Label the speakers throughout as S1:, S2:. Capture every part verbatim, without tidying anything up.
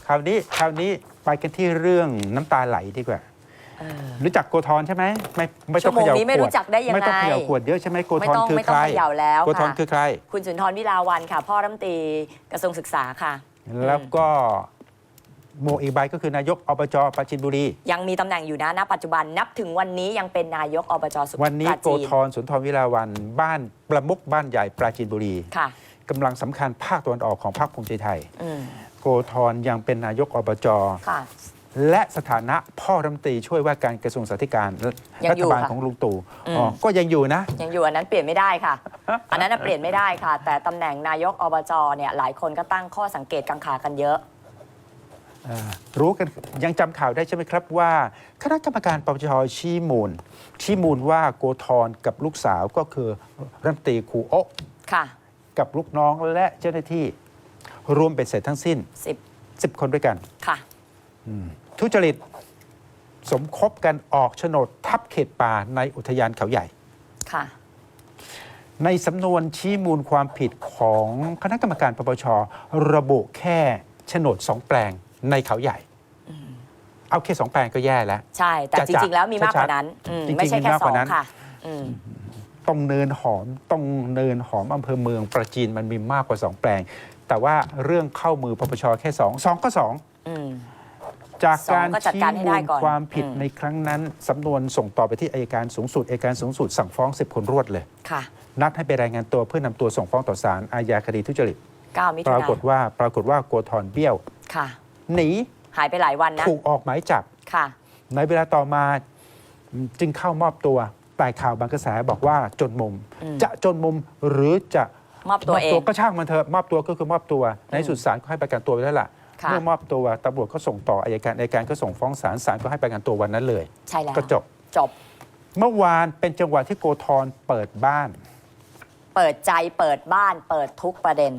S1: คราวนี้คราวนี้ไปกันที่เรื่องน้ำตาไหลดีกว่ารู้จักโกธรใช่ไหมไม่ไม่ต้องเขย่าขวดไม่รู้จักได้ยังไงไม่ต้องเขย่าขวดเยอะใช่ไหมโกธรคือใคร
S2: ไม่ต้องเขย่าแล้ว
S1: โกธรคือใคร
S2: คุณสุนทรวิลาวันค่ะพ่อรัฐมนตรีกระทรวงศึกษาค่ะ
S1: แล้วก็โมอีกใบก็คือนายกอบจปราจีนบุรี
S2: ยังมีตำแหน่งอยู่นะณปัจจุบันนับถึงวันนี้ยังเป็นนายกอบจสุพรรณ
S1: วันนี้โกธรสุนทรวิลาวันบ้านประมุขบ้านใหญ่ปราจีนบุรี
S2: ค่ะ
S1: กำลังสำคัญภาคตะวันออกของพรรคภูมิใจไทยโกธรยังเป็นนายกอบจและสถานะพ่อรัฐมนตรีช่วยว่าการกระทรวงสาธารณสุขรัฐบาลของลุงตู่ก็ยังอยู่นะ
S2: ยังอยู่อันนั้นเปลี่ยนไม่ได้ค่ะอันนั้นเปลี่ยนไม่ได้ค่ะแต่ตำแหน่งนายกอบจเนี่ยหลายคนก็ตั้งข้อสังเกตกังขากันเยอะ
S1: รู้กันยังจำข่าวได้ใช่ไหมครับว่าคณะกรรมการปปชชี้มูลชี้มูลว่าโกธรกับลูกสาวก็คือรัฐมนตรีครูโอ๊ะกับลูกน้องและเจ้าหน้าที่รวมเป็นเสร็จทั้งสิ้นสิบคนด้วยกัน
S2: ค่ะ
S1: ทุจริตสมคบกันออกโฉนดทับเขตป่าในอุทยานเขาใหญ่
S2: ค่ะ
S1: ในสำนวนชี้มูลความผิดของคณะกรรมการปปชระบุแค่โฉนดสองแปลงในเขาใหญ่เอาแค่สองแปลงก็แย่แล้ว
S2: ใช่แต่จริงๆแล้วมีมากกว่านั้นไม่ใช่แค่สองค่ะ
S1: ต้องเนินหอมต้องเนินหอมอำเภอเมืองประจีนมันมีมากกว่าสองแปลงแต่ว่าเรื่องเข้ามือปปชแค่สองสองก็สองจากการชี้มูลความผิดในครั้งนั้นสำนวนส่งต่อไปที่อัยการสูงสุดอัยการสูงสุดสั่งฟ้องสิบคนรวดเลยนัดให้ไปรายงานตัวเพื่อนำตัวส่งฟ้องต่อศาลอาญาคดีทุจริตปรากฏว่าปรากฏว่าโกธรเบี้ยวหนี
S2: หายไปหลายวันนะ
S1: ถูกออกหมายจับในเวลาต่อมาจึงเข้ามอบตัวแต่ข่าวบางกระแสบอกว่าจนมุมจะจนมุมหรือจะ
S2: มอบตัวเอง
S1: ก็ช่างมันเถอะมอบตัวก็คือมอบตัวในสุดศาลก็ให้ประกันตัวไปแล้วล่ะเมื่อมอบตัวตำรวจก็ส่งต่ออัยการอัยการก็ส่งฟ้องศาลศาลก็ให้ประกันตัววันนั้นเลย
S2: ใช่แล้ว
S1: ก็จบ
S2: จบ
S1: เมื่อวานเป็นจังหวะที่โกธรเปิดบ้าน
S2: เปิดใจเปิดบ้านเปิดทุกประเด็น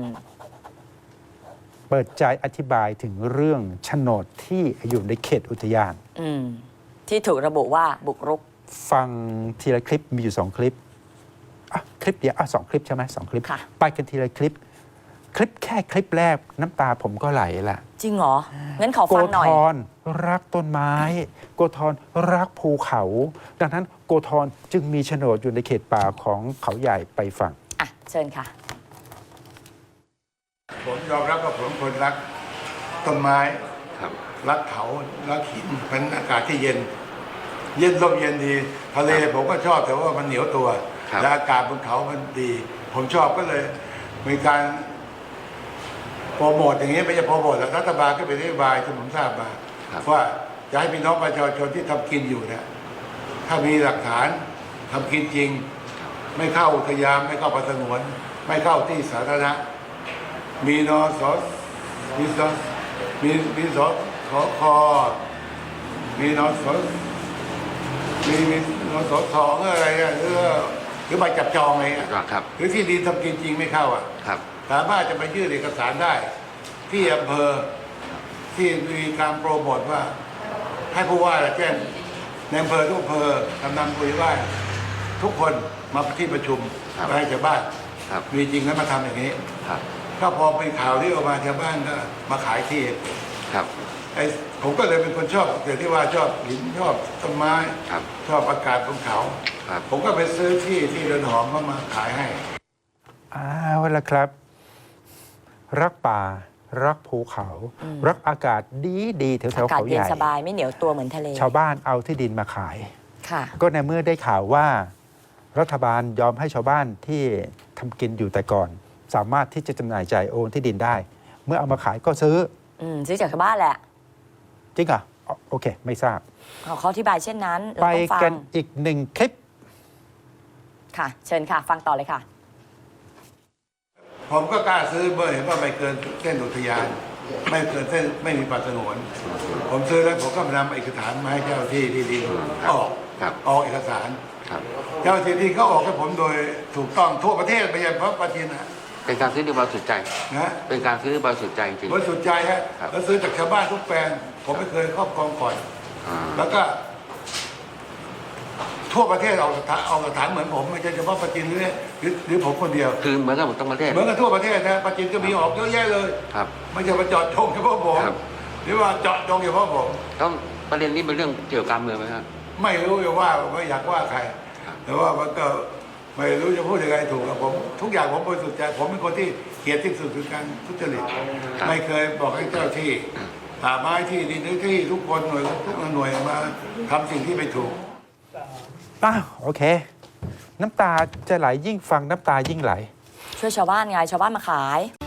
S1: เปิดใจอธิบายถึงเรื่องโฉนดที่อยู่ในเขตอุทยาน
S2: ที่ถูกระบุว่าบุกรุก
S1: ฟังทีละคลิปมีอยู่สองคลิปคลิปเดียวสองคลิปใช่ไหมสองคลิปไปกันทีละคลิปคลิปแค่คลิปแรกน้ำตาผมก็ไหลละ
S2: จริงเหรองั้นขอฟังหน่อย
S1: โกธรรักต้นไม้โกธรรักภูเขาดังนั้นโกธรจึงมีโฉนดอยู่ในเขตป่าของเขาใหญ่ไปฟัง
S2: อ่ะเชิญค่ะ
S3: ผมยอมรับว่าผมคนรักต้นไม้รักเขารักหินเป็นอากาศที่เย็นเย็นลมเย็นดีทะเลผมก็ชอบแต่ว่ามันเหนียวตัวและอากาศบนเขามันดี ผมชอบก็เลยมีการโปรโมทอย่างนี้ไม่ใช่โปรโมทแล้วรัฐบาลก็เป็นนโยบายที่ผมทราบมาว่าจะให้พี่น้องประชาชนที่ทำกินอยู่เนี่ยถ้ามีหลักฐานทำกินจริงไม่เข้าอุทยานไม่เข้าป่าสงวนไม่เข้าที่สาธารณะมีนอสมีสมีมีสขอคอมีนอสมีมีนอสทองอะไรอะหรือหรือใบจับจองอะไรเงี้ยหรือที่ดินทำกินจริงไม่เข้าอ่ะสามารถจะไปยื่นเอกสารได้ที่อำเภอที่มีการโปรโมทว่าให้ผู้ว่าแจ้งในอำเภอทุกอำเภอกำนันผู้ใหญ่บ้านทุกคนมาที่ประชุมไปให้ชาวบ้านมีจริงแล้วมาทำอย่างนี้ถ้าพอเป็นข่าวที่ออกมาชาวบ้านก็มาขายที่
S4: ครับ
S3: ไอ้ผมก็เลยเป็นคนชอบแต่ที่ว่าชอบหินชอบต้นไม้ชอบอากาศบนเขาผมก็ไปซื้อที่ที่เรือนหอมมามาขายให้
S1: อ้าวละครับรักป่ารักภูเขารักอากาศดีดีแถวแถวเขาใหญ่
S2: อากาศเย็นสบายไม่เหนียวตัวเหมือนทะเล
S1: ชาวบ้านเอาที่ดินมาขายก็ในเมื่อได้ข่าวว่ารัฐบาลยอมให้ชาวบ้านที่ทำกินอยู่แต่ก่อนสามารถที่จะจำหน่ายจ่ายโอนที่ดินได้เมื่อเอามาขายก็ซื้อ
S2: ซื้อจากชาวบ้านแหละ
S1: จริงเหรอโอเคไม่ทราบ
S2: เขาอธิบายเช่นนั้น
S1: ไปกันอีกหนึ่งคลิป
S2: ค่ะเชิญค่ะฟังต่อเลยค่ะ
S3: ผมก็กล้าซื้อเมื่อเห็นว่าไม่เกินเส้นอุทยานไม่เกินเส้นไม่มีป่าสงวนผมซื้อแล้วผมก็นำเอกสารมาให้เจ้าที่ที่ดินออกออกเอกสารเจ้าที่ที่เขาออกให้ผมโดยถูกต้องทั่วประเทศไม่ใช่เพราะปาจีนนะ
S4: เป็นการซื้อด้วยบริสุทธิ์ใจนะเป็นการซื้อบริสุทธิ์ใจจริง
S3: บริสุทธิ์ใจฮะแล้วซื้อจากชาวบ้านทุกแปลงผมไม่เคยครอบครองก่อนแล้วก็ทั่วประเทศเอาสถานเอาสถานเหมือนผมไม่ใช่เฉพาะประจินหรือหรือหรือผมคนเดียว
S4: คือเหมือนกับผมต้องประเทศ
S3: เหมือนกันทั่วประเทศนะประจินก็มีออกเยอะแยะเลย
S4: ครับ
S3: ไม่ใช่มาเจาะจงเฉพาะผม
S4: ครับ
S3: หรือว่าเจาะจงเฉพาะผม
S4: ต้องประเด็นนี้เป็นเรื่องเกี่ยวกับการเมืองไหมครับ
S3: ไม่รู้จะว่าไม่อยากว่าใคร
S4: ครับ
S3: แต่ว่ามันก็ไม่รู้จะพูดยังไงถูกกับผม ทุกอย่างผมบริสุทธิ์ใจผมเป็นคนที่เกลียดที่สุดคือการทุจริตไม่เคยบอกให้เจ้าที่ป่าไม้ที่ดินที่ทุกคนหน่วยทุกหน่วยมาทำสิ่งที่ไม่ถูก
S1: อ้าวโอเค น้ำตาจะไหลยิ่งฟังน้ำตายิ่งไหล
S2: ช่วยชาวบ้านไงชาวบ้านมาขาย